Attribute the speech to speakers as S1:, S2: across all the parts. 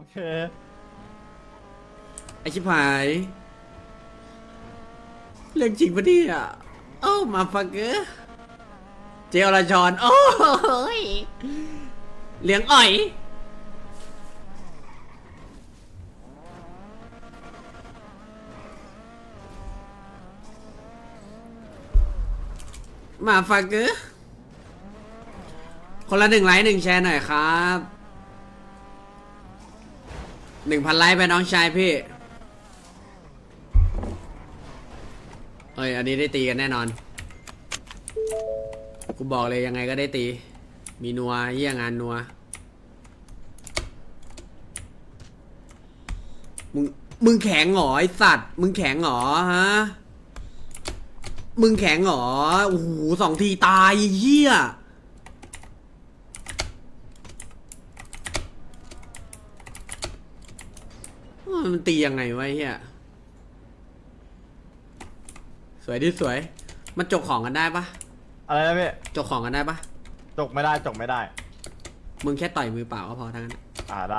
S1: เค
S2: ไอชิบหายเรื่องจริงปะเนี่ยโอ้มาฟักเกอร์เจลลาจอนโอ้ยเลี้ยงอ่อยมาฟักเกอร์คนละ1 ไลค์ 1 แชร์หน่อยครับ1,000 ไลค์ไปน้องชายพี่เอ้ยอันนี้ได้ตีกันแน่นอนกูบอกเลยยังไงก็ได้ตีมีนัวเยี่ยงานนัวมึงแข็งหรอไอสัตว์มึงแข็งหรอฮะมึงแข็งหรอโอ้โห2 ทีตายเหี้ยมันตียังไงวะเหี้ยสวยดิสวยมันจกของกันได้ปะ
S1: อะไรนะพี่
S2: จกของกันได้ปะ
S1: จกไม่ได้จกไม่ได้
S2: มึงแค่ต่อยมือเปล่าก็พอทั้งนั้น
S1: ได้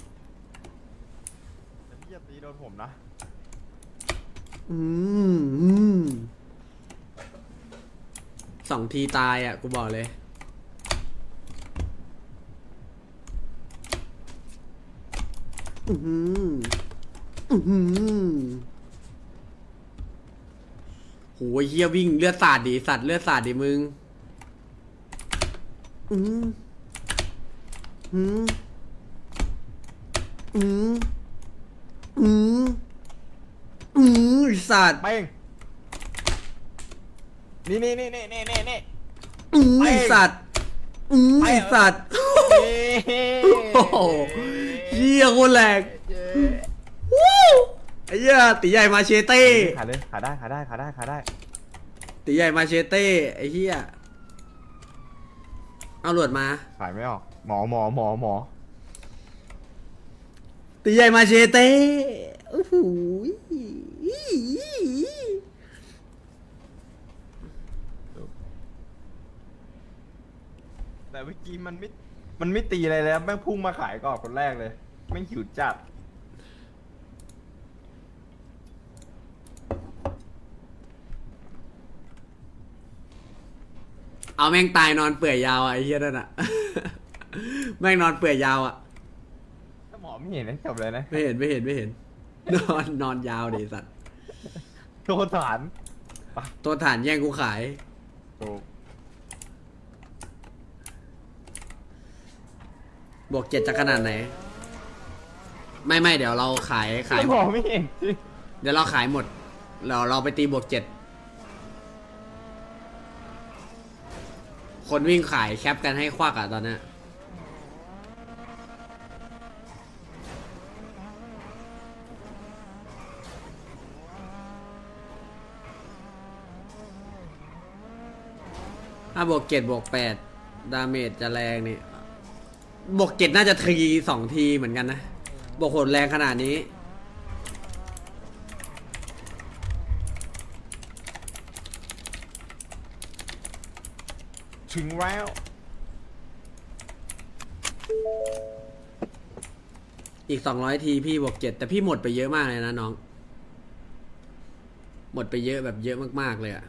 S1: แต่พี่อย่าตีโดนผมนะ
S2: อืม2 ทีตายอ่ะกูบอกเลยอืมอืมโหเฮียวิ่งเลือดสาดดิสัตว์เลือดสาดดิมึงอืมอืมอืมอืมอืมสัตว์
S1: เป้งนี่
S2: อืมสัตว์อืมสัตว์โอ้โหเฮียโคตรแรงวู้ไอ้เหี้ยตีใหญ่มาเชเต้
S1: ขาเลยขาได้
S2: ตีใหญ่มาเชเต้ไอ้เหี้ยเอาหลวดมา
S1: ขายไม่ออกหมอ
S2: ตีใหญ่มาเชเต้โอ้โห
S1: แต่เมื่อกี้มันไม่ตีอะไรแล้วแม่งพุ่งมาขายก่อนคนแรกเลยแม่งหิวจัด
S2: เอาแม่งตายนอนเปื่อยยาวอ่ะไอ้เหี้ยนั่นอ่ะแม่งนอนเปื่อยยาวอ่ะ
S1: ถ้าหมอไม่เห็นนั่นจบเลยนะ
S2: ไม่เห็นนอนยาวดิสัตว์
S1: โทษฐาน
S2: ตัวฐานแย่งกูขาย
S1: ถูก
S2: บวก 7จะขนาดไหนไม่เดี๋ยวเราขาย
S1: หมอไม่เห็นจริง
S2: เดี๋ยวเราขายหมดเราไปตีบวก 7คนวิ่งขายแคปกันให้ควักอ่ะตอนนี้ถ้าบวก 7บวก 8ดาเมจจะแรงนี่บวก 7น่าจะที2 ทีเหมือนกันนะบวกโหดแรงขนาดนี้
S1: ถึงแล้ว
S2: อีก200 ทีพี่บวก 7แต่พี่หมดไปเยอะมากเลยนะน้องหมดไปเยอะแบบเยอะมากๆเลยอะ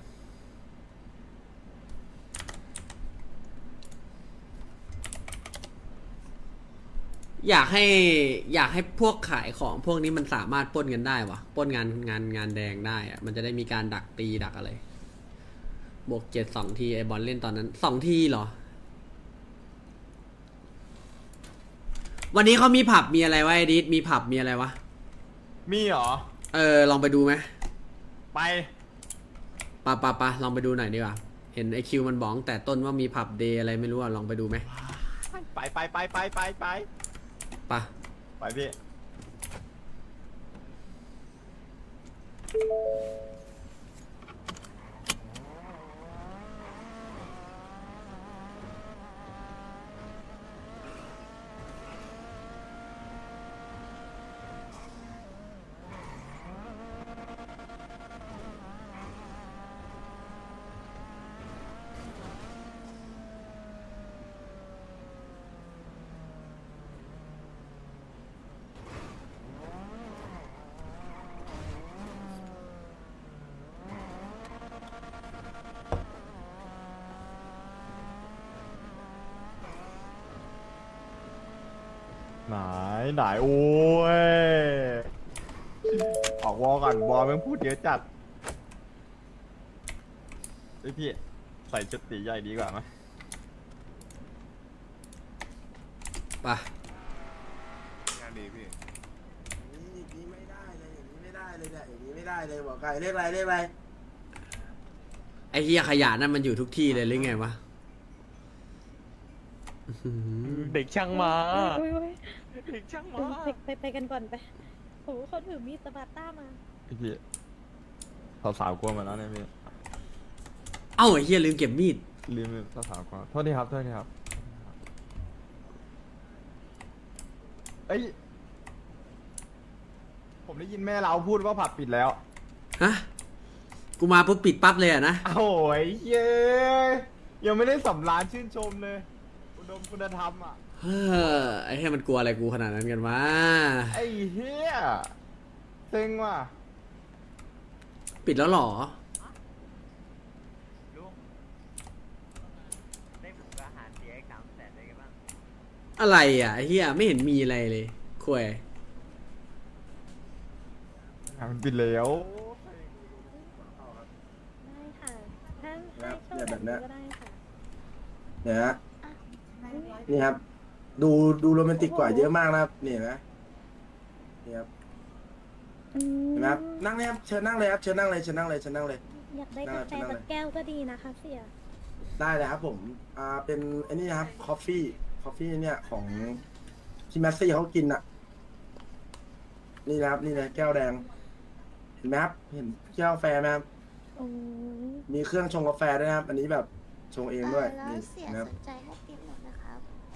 S2: อยากให้พวกขายของพวกนี้มันสามารถปล้นกันได้วะปล้นงานแดงได้อะมันจะได้มีการดักตีดักอะไรบวก 7 2 ทีไอบอลเล่นตอนนั้น2 ทีเหรอวันนี้เขามีผับมีอะไรวะไอดิสมีผับมีอะไรวะ
S1: มีเหรอ
S2: ลองไปดูไหม
S1: ไป
S2: ปะลองไปดูหน่อยดีกว่าเห็นไอคิวมันบอกแต่ต้นว่ามีผับเดย์อะไรไม่รู้อะลองไปดูไหม
S1: ไป
S2: ปะ
S1: ไปพี่ไหนโอ้ยออกวอลก่อนวอลแม่งพูดเยอะจัดเฮ้ยพี่ใส่ชุดตีใหญ่ดีกว่าไหม
S2: ไป
S3: งานดีพี่
S4: อย่างนี้ไม่ได้เลยอย่างนี้ไม่ได้เลยเนี่ยอย่างนี้ไม่ได้เลยบอกไก่เรียกอะไรเรียกอะไร
S2: ไอ้เฮียขยะนั่นมันอยู่ทุกที่เลยหรือไงวะ
S5: เด็กช่างมา
S6: อุ๊ย
S5: เด็กช่างมา
S6: ไปกันก่อนไปโหเขาถือมีดสปาร์ต้ามา
S1: พี่สาวๆกลัวมาแล้วเนี่ยพี่
S2: เอ้าไอ้เฮียลืมเก็บมีด
S1: ลืมสาวๆกลัวโทษทีครับเอ้ยผมได้ยินแม่เราพูดว่าผับปิดแล้ว
S2: ฮะ กูมาปุ๊บปิดปั๊บเลยอะนะ
S1: โอ้ยเย้ยยังไม่ได้สำราญชื่นชมเลยอุดมคุณธรรมอ่ะ
S2: เฮ้อไอ้เฮียมันกลัวอะไรกูขนาดนั้นกันวะ
S1: ไอ้เฮียเซ็งว่ะ
S2: ปิดแล้วเหรอ
S5: ลุงได้หมูกระหารเสีย300,000ได้กันบ้าง
S2: อะไรอ่ะไอ้เฮียไม่เห็นมีอะไรเลยคุย
S1: มันปิดแล้ว
S6: ได้ค่ะถ้าให้โชว์แบบนี้ก็ได้ค่ะ
S4: เนี่ยฮะนี่ครับ ดูโรแมนติกกว่าเยอะมากนะครับนี่เห็นไหมนี่ครับเห็นไหมครับนั่งเลยครับเชิญนั่งเลยครับเชิญนั่งเลยเชิญนั่งเลยเชิญนั่งเลย
S6: อยากได้กาแฟสักแก้วก็ดีนะคะเสีย
S4: ได้เลยครับผมเป็นไอ้นี่นะครับคอฟฟี่เนี่ยของที่แมสซี่เขากินอ่ะนี่นะครับนี่เลยแก้วแดงเห็นไหมครับเห็นแก้วกาแฟไหมครับ
S6: โอ้ย
S4: มีเครื่องชงกาแฟด้วยนะครับ อันนี้แบบชงเองด้วย
S7: แล้ว
S4: นี่
S7: เสีย
S4: นะครับ
S7: สนใจให้ปิดหมดนะครับ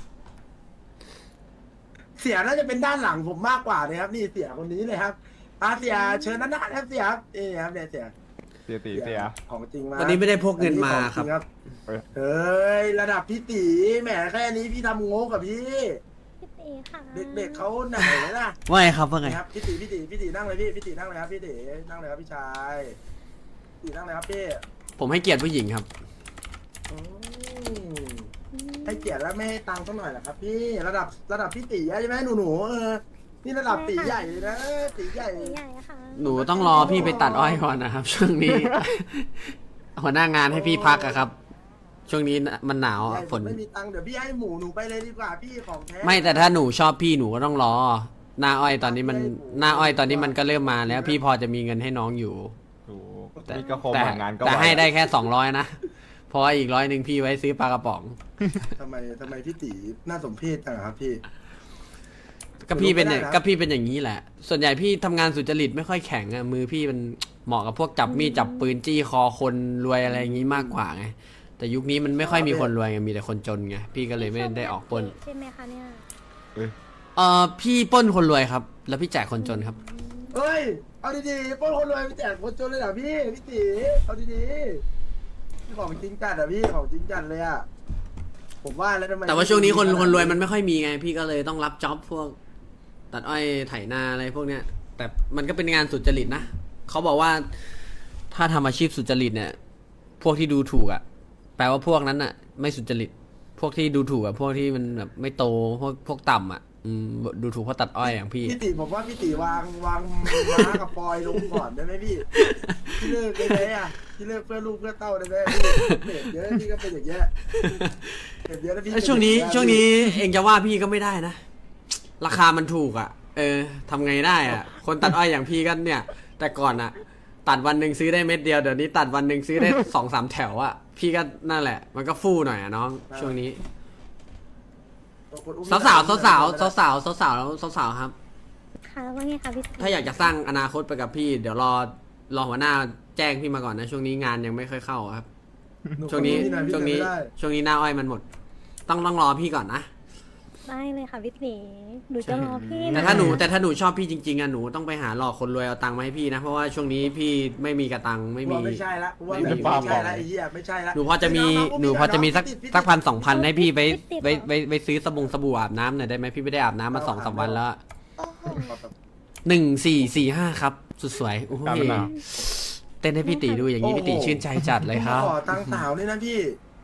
S4: เสียน่าจะเป็นด้านหลังผมมากกว่านะครับ นี่เสียคนนี้เลยครับเสียเชิญด้านหน้าครับเสียครับนี่ครับเนี่ยเสีย
S1: เสียตีเสีย
S4: ของจริงมา
S2: วันนี้ไม่ได้พกเงินมาครับ
S4: อันนี้ของจง
S1: เอ้ย
S4: เฮ้ยระดับพี่ตีแหมแค่นี้พี่ทำงกกับพี่
S6: พี่ตีค่ะ
S4: เด็กๆเขาไหนนะ
S2: ว่าไงครับว่าไง
S4: นี่ครับพี่ตีนั่งเลยพี่ตีนั่งเลยครับพี่ตีนั่งเลยครับพี่ชายพี่ตีนั่งเลยครับพี่
S2: ผมให้เกียรติผู้หญิงครับ
S4: อืมให้เกียรติแล้วไม่ให้ตังค์สักหน่อยเหรอครับพี่ระดับพี่ตีใช่ไหมหนูนี่ระดับตีใหญ่เลยนะตีใหญ่
S6: ตีใหญ่ค่ะ
S2: หนูต้องรอพี่ไปตัดอ้อยก่อนนะครับ ช่วงนี้ หัวหน้างานให้พี่พักอะครับ ช่วงนี้มันหนาว
S4: ให
S2: อะ
S4: ญ่
S2: ฝ
S4: ผม
S2: น
S4: ไม่มีตังค์เดี๋ยวพี่ให้หมูหนูไปเลยดีกว่าพี่ของแท้
S2: ไม่แต่ถ้าหนูชอบพี่หนูก็ต้องรอ หน้าอ้อยตอนนี้มันก็เริ่มมาแล้ว พี่พอจะมีเงินให้น้องอยู่
S1: ถูก
S2: แต่
S1: นี่ก็คม
S2: แต่
S1: งานก็
S2: แต่
S1: ว
S2: ให้ได้แค่200นะเพราะว่าอีก100พี่ไว้ซื้อปลากระป๋อง
S4: ทำไมพี่ตีน่าสมเพชจังอะครับพี่
S2: ก็พี่เป็นอย่าง
S4: ไม่ได้นะ
S2: ก็พี่เป็นอย่างนี้แหละ ส่วนใหญ่พี่ทำงานสุจริตไม่ค่อยแข็งอะมือพี่มันเหมาะกับพวกจับมีดจับปืนจี้คอคนรวยอะไรอย่างนี้มากกว่าไงแต่ยุคนี้มันไม่ค่อยมีคนรวยไงมีแต่คนจนไงพี่ก็เลยไม่ได้ออกปล้น
S6: ใช่ไหมคะเนี่ย
S2: พี่ปล้นคนรวยครับ แล้วพี่แจกคนจนครับ
S4: เฮ้ยเอาดีๆปล้นคนรวยไปแจกคนจนเลยเหรอพี่ตีเอาดีๆพี่ของจริงจัดอะพี่ของจริงจัดเลยอะผมว่าแล้วทำไม
S2: แต่ว่าช่วงนี้คนรวยมันไม่ค่อยมีไง พี่ก็เลยต้องรับจ็อบพวกตัดอ้อยไถนาอะไรพวกเนี้ย แต่มันก็เป็นงานสุจริตนะเขาบอกว่าถ้าทำอาชีพสุจริตเนี่ย พวกที่ดูถูกอะแปลว่าพวกนั้นอะไม่สุจริต พวกที่ดูถูกอะพวกที่มันแบบไม่โตพวกต่ำอะดูถูกเพราะตัดอ้อยอย่างพี่
S4: พี่ตีผมว่าพี่ตีวางม้ากับปอยลงก่อนได้ไหมพี่พี่เลิกได้ไหมอะพี่เลิกเพื่อลูกเพื่อเต้าได้ไหมพี่เด็กเยอะพี่ก็เป็นอย่างเงี้ยเด็กเยอะแล้วพี่
S2: แล้วช่วงนี้เองจะว่าพี่ก็ไม่ได้นะ ราคามันถูกอ่ะ ทำไงได้อ่ะ คนตัดอ้อยอย่างพี่ก็เนี่ย แต่ก่อนอ่ะ ตัดวันหนึ่งซื้อได้เม็ดเดียวเดี๋ยวนี้ตัดวันหนึ่งซื้อได้ 2-3 แถวอ่ะพี่ก็นั่นแหละ มันก็ฟู่หน่อยอ่ะน้องช่วงนี้สาวครับ
S6: ค่ะว่าไงคะพี่ตี
S2: ถ้าอยากจะสร้างอนาคตไปกับพี่ เดี๋ยวรอหัวหน้าแจ้งพี่มาก่อนนะช่วงนี้งานยังไม่ค่อยเข้าอะครับ ช่วงนี้หน้าอ้อยมันหมด ต้องรอพี่ก่อนนะ
S6: ได้เลยค่ะพี่ตีหนูจะรอพี่
S2: แต่
S6: นะ
S2: ถ้าหนูชอบพี่จริงๆอ่ะหนูต้องไปหาหลอกคนรวยเอาตังค์มาให้พี่นะเพราะว่าช่วงนี้พี่ไม่มีกระตังไม่มี
S4: ไม่ใช่ละว่า
S2: ไม่มี
S4: ไม่ใช่ละไอ้เหี้ยไม่ใช่ละ
S2: หนูพอจะมีสัก1,000-2,000ให้พี่ไปซื้อสบู่อาบน้ำหน่อยได้ไหมพี่ไม่ได้อาบน้ำมา2-3 วันแล้ว
S7: โอ้โห
S2: 1445ครับสุดสวยโอ้โห
S1: การเป็นหนาว
S2: เต้นให้พี่ตีดูอย่างนี้พี่ตีชื่นใจจัดเลยครับ
S4: ขอตังค์สาวนี่นะพี่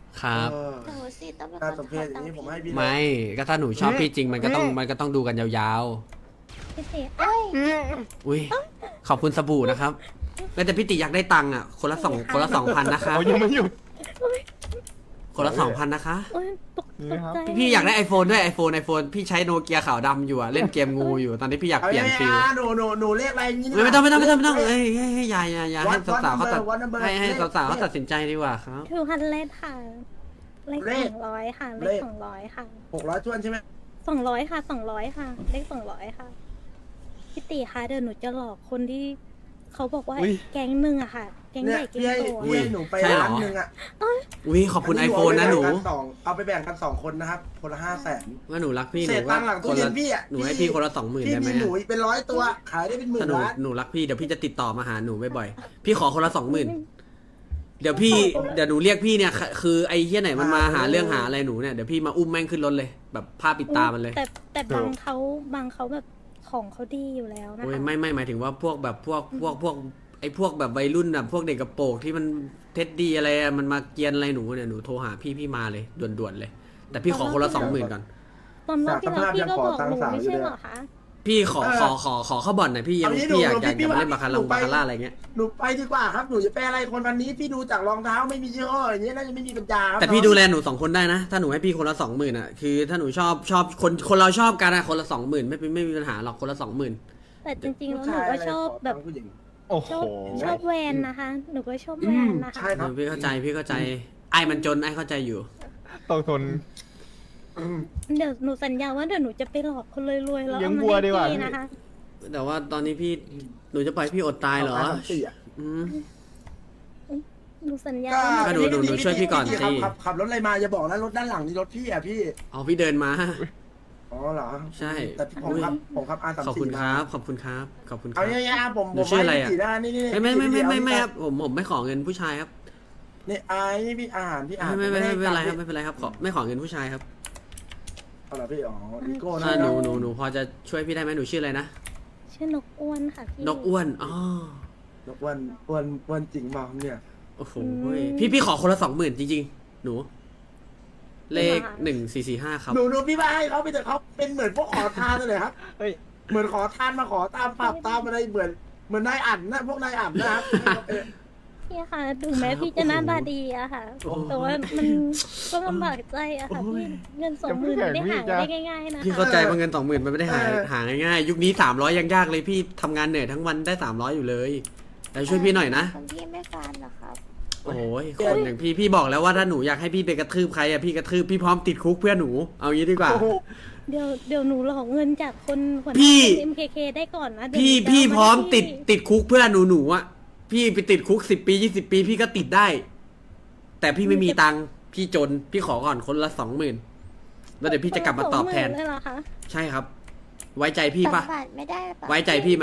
S2: ครับ
S4: เออ
S7: หนูสิต้องเป็นค
S4: น่าน สมเพชอย่างนี้ผมให้พี่เลย
S2: ไม่ก็ถ้าหนูชอบพี่จริงมันก็ต้องดูกันยาว
S6: พี่ติเอ้ย
S2: ๆอุ้ยขอบคุณสบู่นะครับแต่พี่ติอยากได้ตังค์อ่ะคนละ2,000นะคะ
S1: เขายังไม่หยุด
S2: คนละ2,000นะคะ
S6: โอ้ยตก
S1: นี่ครับ
S6: ใจ
S2: พี่อยากได้ iPhone ด้วย iPhone พี่ใช้โนเกียขาวดำอยู่อะเล่นเกมงูอยู่ตอนนี้พี่อยาก
S4: เอา
S2: เปลี่ยน
S4: ยังไง
S2: ฟิล
S4: หนูเรียกอะไรอย่างนี้
S2: ไม่ต้องเอ้ยอย่าให้สาวๆเขาตัด
S4: วัด number
S2: ให้สาวๆเขาตัดสินใจดีกว่าครับ
S6: 200ค่ะเลข
S4: เลข
S6: 200ค่ะเล
S4: เล
S6: ข
S4: ข
S6: 200ค่ะ
S4: 600จ้วนใช่ไหม
S6: 200ค่ะ200ค่ะเลข200ค่ะพี่ติคะเดี๋ยวหนูจะหลอกคนที่เขาบอกว่า
S1: อุ๊ย
S6: แก๊งหนึ่งอะค่ะ แก๊ง
S4: เนี่
S6: ให
S4: ย
S6: ญ่แก๊ง
S4: พี่ให้
S6: โต
S4: พี่
S6: อะ
S4: ให้หนูไป
S2: ใช่เหรอ
S4: ร้านหนึ่งอ่ะ
S2: อุ้ยขอบคุณ iPhone นะหนู
S4: เอาไปแบ่งกัน2คนนะครับคนละ500,000
S2: ว่าหนูรักพี่ห
S4: เศ
S2: นู
S4: ษตังค์หลังตู้
S2: คน
S4: เย็
S2: ละ
S4: นพี่อะ
S2: หนูให้พี่คนละ20,000
S4: พี่
S2: ได้ไหม
S4: มีหนูอีกเป็น100 ตัวขายได้เป็นหมื่
S2: ถ้าน
S4: ล้าน
S2: หนูรักพี่เดี๋ยวพี่จะติดต่อมาหาหนูบ่อยๆพี่ขอคนละ20,000เดี๋ยวหนูเรียกพี่เนี่ยคือไอ้เหี้ยไหนมันมาหาเรื่องหาอะไรหนูเนี่ยเดี๋ยวพี่มาอุ้มแม่งขึ้นรถเลย แบบผ้าปิดตามันเลย
S6: แต่บางเขาแบบของเขาดีอยู่แล้วนะ
S2: โอ้ย
S6: คะ
S2: ไม่หมายถึงว่าพวกแบบพวกไอ้พวกแบบวัยรุ่นแบบพวกเด็กกระโปรงที่มันเท็ดดีอะไรอะมันมาเกรียนอะไรหนูเนี่ยหนูโทรหาพี่มาเลยด่วนๆเลย แต่พี่ขอคนละ20,000ก่อน
S6: ตอนรอบที่แล้วพี่ก็บอกหนูไม่ใช่เหรอคะ
S2: พี่ขอเข้าบ่อนหน่อยพี่อยากมาเล่นบาคาร่าอะไรเงี้ย
S4: หนูไปดีกว่าครับหนูจะไปอะไรคนวันนี้พี่ดูจากรองเท้าไม่มียี่ห้ออย่างเงี้ยน่าจะไม่มีปัญญาครับ
S2: แต่พี่ดูแลหนู2คนได้นะ ถ้าหนูให้พี่คนละ20,000อ่ะคือถ้าหนูชอบคนเราชอบกันอะคนละ20,000ไม่มีปัญหาหรอกคนละ20,000
S6: แต่จริงๆแล้วหนูก็ชอบแบบ
S4: ผู้หญิง
S1: โอ้โห
S6: ชอบแวนนะคะ หนูก็ชอบแวนนะคะ
S4: ใช่ครับ
S2: พี่เข้าใจไอ้มันจนไอ้เข้าใจอยู่
S1: ต้องทน
S6: เดี๋ยวหนูสัญญาว่าเดี๋ยวหนูจะไปหลอกคนรวยๆแล้ว
S1: เลี้ยง
S6: เอามา
S1: วัว
S6: ให้
S1: ดีกว่า
S6: พี่นะคะ
S2: แต่ว่าตอนนี้หนูจะปล่อยพี่อดตายเหรอ
S4: 4อะ
S2: อืม
S6: หนูสัญญา
S2: ก็ดูช่วยพี่ก่อนสิ
S4: ขับรถอะไรมาอย่าบอกนะรถด้านหลังนี่รถพี่อะพี่
S2: เอาพี่เดินมา
S4: อ๋อเหรอ
S2: ใช่
S4: แต่ผมขับR34
S2: ขอบคุณค
S4: มา
S2: รับขอบคุณครับ
S4: เอาเนี่ยๆผม
S2: หนูชื่ออะไรอะ
S4: ให้พี่ได้นี่
S2: ไม่ครับผมไม่ขอเงินผู้ชายครับ
S4: นี่นี่พี่อาหารพี่อาหาร
S2: ไม่เป็นไรครับไม่เป็นไรครับไม่ขอเงินผู้ชายครับ
S4: เอาเหรอพี่อ๋ออีโก้นะ
S2: ถ้าหนูพอจะช่วยพี่ได้ไหมหนูชื่ออะไรนะ
S6: ชื่อนกอ้วนค่ะพี่
S2: นกอ้วนอ๋อน
S4: กอ้วนจริงมาเนี่ย
S2: โอ้โหพี่ขอคนละ20,000จริงๆหนู เลข1445ครับ
S4: หนูพี่ว่าให้เขาไปเถอะเขาเป็นเหมือนพวกขอทานเลยครับ
S1: เฮ้ย
S4: เหมือนขอทานมาขอตามผับตามอะไรเหมือนนายอั่นนะพวกนายอั่นนะครับ
S6: พี่ค่ะถึงแม้พี่จะหน้าตาดีอะค่ะ แต่ว่ามันก็ลำบากใจอะค่ะพี่เงิน20,000ไม่ได้หาได้ง่ายๆนะคะ
S2: พี่เข้าใจว่าเงิน20,000มันไม่ได้หาง่ายๆยุคนี้300ยังยากเลยพี่ทำงานเหนื่อยทั้งวันได้300อยู่เลยแต่ช่วยพี่หน่อยนะ
S7: ของพี่ไม่ฟันเหรอครับ
S2: โอ้ยคนอย่างพี่บอกแล้วว่าถ้าหนูอยากให้พี่ไปกระทืบใครอะพี่กระทืบพี่พร้อมติดคุกเพื่อหนูเอางี้ดีกว่า
S6: เดี๋ยวหนูหลอกเงินจากคนหัวห
S2: พี่
S6: น้า MKK ได้ก่อนนะเดี๋ยวหนูจะ
S2: พี่
S6: เาา
S2: พร้อม
S6: ให้
S2: ติดคุกเพื่อหนูอะพี่ไปติดคุก10 ปี20 ปีพี่ก็ติดได้ แต่พี่ไม่มีตังค์พี่จนพี่ขอก่อนคนละ20,000แล้วเดี๋ยวพี่จะกลับมาตอบแทน
S6: 20,000เลยเหรอคะ
S2: ใช่ครับ ไว้ใจพี่ปะ
S7: 2 บาทไม่ได้ปะ
S2: ไว้ใจพี่ไหม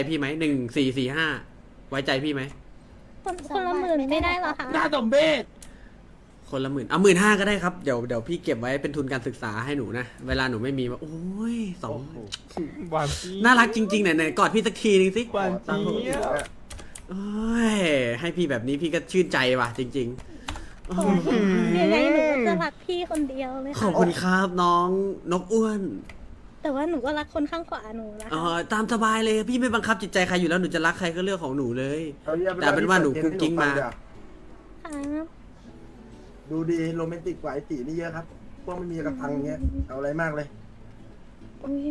S2: 1445ไว้ใจพี่ไหม
S6: คนละหมื่นไม่ได้เหรอคะ
S4: หน้าสมเพช
S2: คนละ10,000เอา15,000ก็ได้ครับเดี๋ยวพี่เก็บไว้เป็นทุนการศึกษาให้หนูนะเวลาหนูไม่มีโอ้ย
S1: หวานจี๊ด
S2: น่ารักจริงๆไหนกอดพี่สักทีนึงสิ
S1: หวานจี๊ด
S2: โอ้ยให้พี่แบบนี้พี่ก็ชื่นใจว่ะจริงๆโอ้ย
S6: ยังไงหนูก็จะรักพี่คนเดียวเลย
S2: ขอบ
S6: ค่ะ
S2: คุณครับน้องนกอ้วน
S6: แต่ว่าหนูก็รักคนข้างขวาหนูนะ
S2: อ๋อ
S6: คะ
S2: ตามสบายเลยพี่ไม่บังคับจิตใจใครอยู่แล้วหนูจะรักใครก็เรื่องของหนูเลย แต่เป็นว่าหนูกุ๊กกิ๊กมา
S6: ครับ
S4: ดูดีโรแมนติกกว่าไอ้ตีนี่เยอะครับพวกไม่มีกระทังเงี้ยเอาอะไรมากเลย
S6: อุ๊ย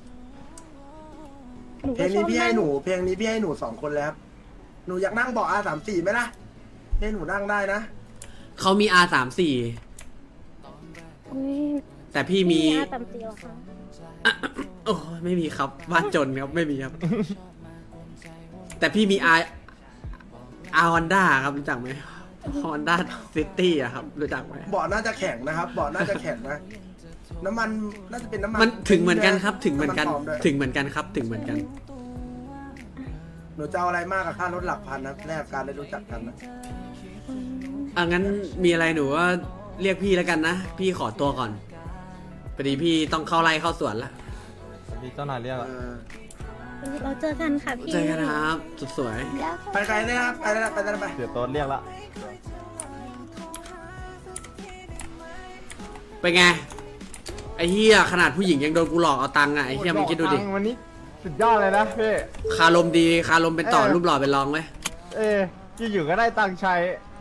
S6: หนู
S4: เพล
S6: ก็
S4: ง
S6: ช
S4: นี้
S6: อบ
S4: พี่ให้
S6: นั่ง
S4: หนูเพลงนี้พี่ให้หนู2 คนแล้วหนูอยากนั่งเบาะR34ไหมล่ะให้หนูนั่งได้นะ
S2: เขามี R34
S6: อุ๊ย
S2: แต่พี่มี
S6: อาตำเตียวค่ะ
S2: โอ้ยไม่มีครับบ้านจนครับไม่มีครับ แต่พี่มี R Honda ครับรู้จักไหม Honda City อะครับรู้จักไหม
S4: เบาะน่าจะแข็งนะครับเบาะน่าจะแข็งนะน้ำมันน่าจะเป็นน้ำมัน
S2: มันถึงเหมือนกันครับถึงเหมือนกัน
S4: ำปลด้วย
S2: ถึงเหมือนกันครับถึงเหมือนกัน
S4: หนูจะเอาอะไรมากกับค่ารถหลักพันนะแลกการได้รู้จักกันนะ
S2: งั้นมีอะไรหนูก็เรียกพี่แล้วกันนะ พี่ขอตัวก่อนพอดีพี่ต้องเข้าไร่เข้าสวนละ
S1: มีเจ้านายเรียก
S4: เอ
S1: อะ
S4: อ
S6: เราเจอกันค่ะพี่
S2: เจอกันครับสุดสวย
S7: แล้ว
S4: ไปไกลได้ครับไปได้ไป
S1: เดี๋ยวโต๊ดเรียกละ
S2: เป็นไงไอ้เหี้ยขนาดผู้หญิงยังโดนกูหลอกเอาตังค์อ่ะไอ้เหี้ยมึงคิดดูดิ
S1: วันนี้สุดยอดเลยนะพี่
S2: คารมดีคารมเป็นต่อรูปหล่อเป็นรองไหม
S1: อยู่ๆก็ได้ตังค์ใช้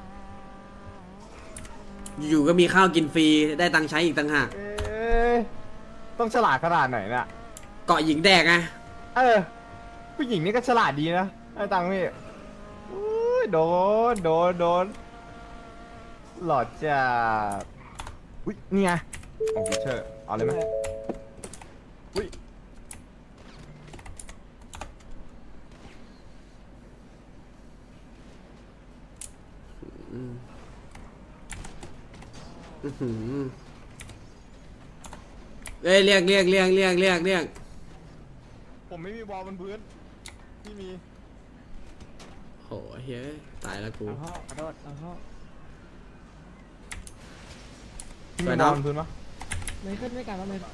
S2: อยู่ๆก็มีข้าวกินฟรีได้ตังค์ใช้อีกต่างหาก
S1: ต้องฉลาดขนาดไหนเนี่ย
S2: เกาะหญิงแดกไง
S1: ผู้หญิงนี่ก็ฉลาดดีนะได้ตังค์พี่อุ้ยโดนหลอดจัดอุ้ยนี่ไงของฟิเชอร์เอาเลยไหมอุ้ย
S2: อื้อหือเอ้ยเรียก
S1: ผมไม่มีบอลบนพื้นพี่มี
S2: โหเฮ้ยตายแล้วกู
S1: พี่
S2: ไป
S1: มี
S2: น้
S1: บ
S2: อ
S1: อง ลบนพื้นปะ
S8: ไม่ขึ้นไม่กันแล้วไม่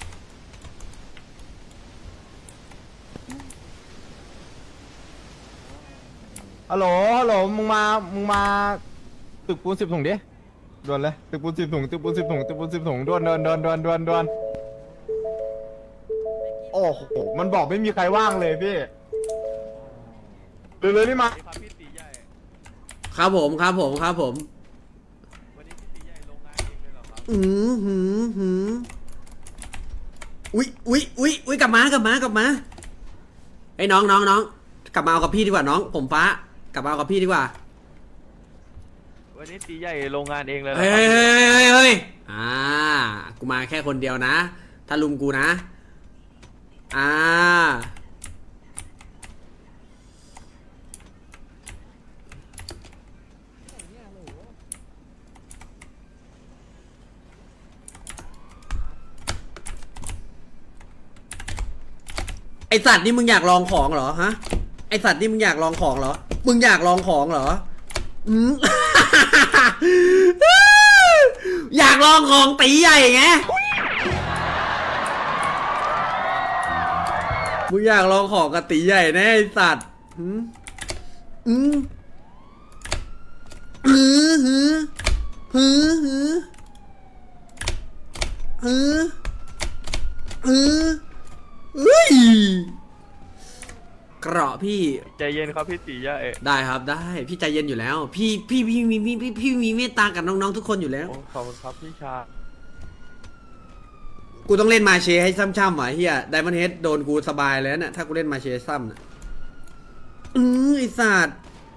S1: ฮัลโหลมึงมาตึกปูน10 ถุงดิด่วนเลยตึกปูน10 ถุงด่วนโอ้โหมันบอกไม่มีใครว่างเลยพี่เร็วๆนี่มา
S5: ครับพี่ตีใหญ่
S2: ครับผม
S5: วันนี้พี่ตีใหญ่โรงงานเองเลยเหรอครับ
S2: อุ้ยกลับมาไอ้น้องกลับมาเอากับพี่ดีกว่าน้องผมฟ้ากลับมาเอากับพี่ดีกว่า
S5: วันนี้ตีใหญ่โรงงานเองเลยเหรอ
S2: เฮ้
S5: ครับ
S2: ยกูมาแค่คนเดียวนะถ้าลุมกูนะไอสัตว์นี่มึงอยากลองของเหรอฮะไอสัตว์นี่มึงอยากลองของเหรอมึงอยากลองของเหรออยากลองของตีใหญ่ไงมึงอยากลองของกับตีใหญ่แน่ไอสัตว์เกราะพี่
S5: ใจเย็นครับพี่ตีใหญ่
S2: ได้ครับได้พี่ใจเย็นอยู่แล้ว พี่มีเมตตากับน้องๆทุกคนอยู่แล้ว
S5: โอ้ขอบคุณครับพี่ชา
S2: กูต้องเล่นมาเชให้ซ้ำๆหว่ะเฮียไดมอนด์เฮดโดนกูสบายเลยนะถ้ากูเล่นมาเชซ้ำนะไอสัตว์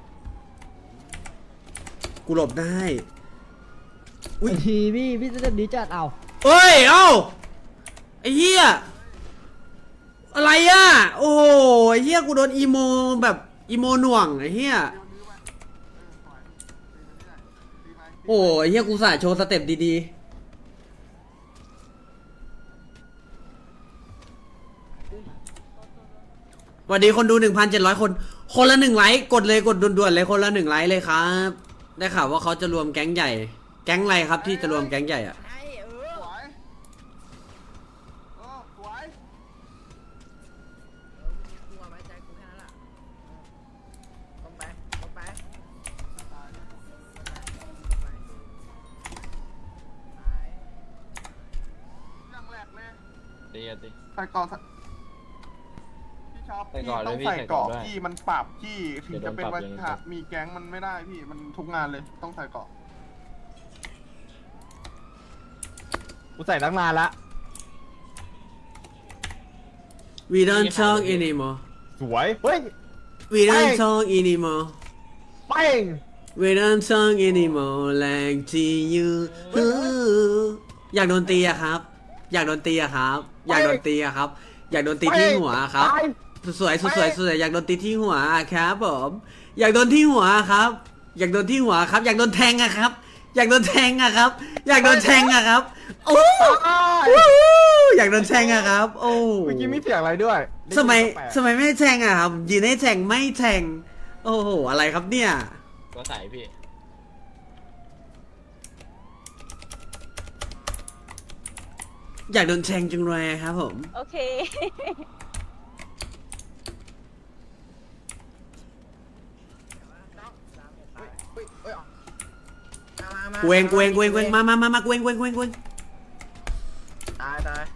S2: กูหลบได้
S8: อุ้ยทีพี่จะดีจัดเอา
S2: เอ้ยเอ้าไอเฮียอะไรอ่ะโอ้โหไอเฮียกูโดนอีโมแบบอีโมหน่วงไอเฮียโอ้ไอเฮียกูสายโชว์สเต็ปดีๆสวัสดีคนดู 1,700 คนคนละ1 ไลค์กดเลยกดด่วนๆเลยคนละ1 ไลค์เลยครับได้ข่าวว่าเขาจะรวมแก๊งใหญ่แก๊งอะไรครับที่จะรวมแก๊งใหญ่อะ
S3: ใส่ก่อนพี่ชอบพี่ต้องใส่เกาะพี่มันปรับพี่ถึงจะเป็นวันขาดมีแก๊งมันไม่ได้พี่มันทุกงานเลยต้องใส่เกาะ
S1: กูใส่ตั้งนานละ
S2: We don't talk anymore
S1: สวยเฮ้ย
S2: We don't talk anymore
S1: เป้ง
S2: We don't talk anymore like to you อยากโดนตีอะครับ อยากโดนตีอะครับ อยากโดนตีอะครับ อยากโดนตีที่หัวครับ สวยอยากโดนตีที่หัวครับผมอยากโดนที่หัวครับ อยากโดนที่หัวครับ อยากโดนแทงอะครับ อยากโดนแทงอะครับ อยากโดนแทงอะครับโอ้อยากโดนแทงอะครับโอ้
S1: เมื่อกี้มีเสียงอะไรด้วย
S2: สมัยไม่แทงอะครับยืนให้แทงไม่แทงโอ้โหอะไรครับเนี่ย
S5: ก็ใส่พี่
S2: อยากโดนแทงจังเลยครับผม
S6: โอเค
S2: กูเองมากูเอง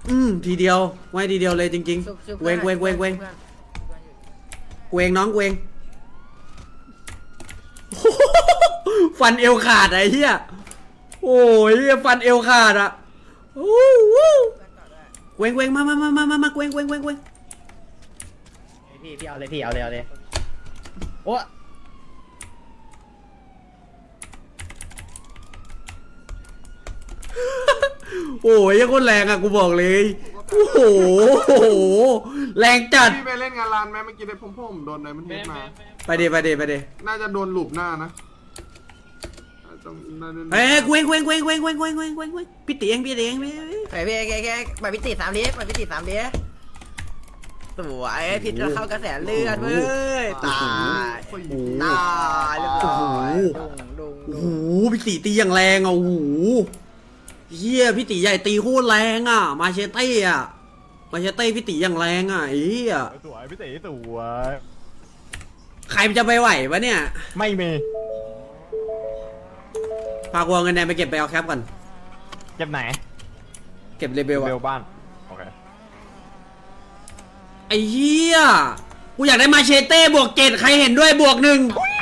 S2: ทีเดียวไว้ทีเดียวเลยจริงๆเวงเวงเวงเวงเวงน้องเวง ฟันเอวขาดไอ้เหี้ยโอ้ยฟันเอวขาดอ่ะเวงเวงมาเวงเวงเวงเวง
S8: พี่เอาเลยพี่เอาเลยโอ้
S2: โอ้ยยังคนแรงอ่ะกูบอกเลยโอ้โหแรงจัด
S3: พี่ไปเล่นงานร้านไหมเมื่อกี้ได้ผมโดนอะไรมันเฮ็ดมา
S2: ไปเด
S3: น่าจะโดนหลุบหน้านะต้องน่าจะ
S2: เฮ้ยเวงพี่ตีเองพี่
S5: ไปพี่แกไปพิติ3 ลิ้นไปพิติ3 ลิ้นสวยพิษแล้วเข้ากระแสเลือดเว้ยตายตายเรียบร้อยดุง
S2: โอ้โหพี่ตีตีอย่างแรงอ่ะโอ้โหเฮียพี่ตีใหญ่ตีโคตรแรงอ่ะมาเชเต้อ่ะมาเชเต้พี่ตีอย่างแรงอ่ะไอ้เหี้ย
S1: สวยพี่ตีสวย
S2: ใครมันจะไปไหววะเนี่ย
S1: ไม่มี
S2: พากูเอาเงินแดงไปเก็บไปเอาแคปก่อน
S1: เก็บไหน
S2: เก็บเลเบล
S1: เบ
S2: อะ
S1: ลบ้านโอเค
S2: ไอ้เหี้ยกูอยากได้มาเชเต้บวก7ใครเห็นด้วยบวก1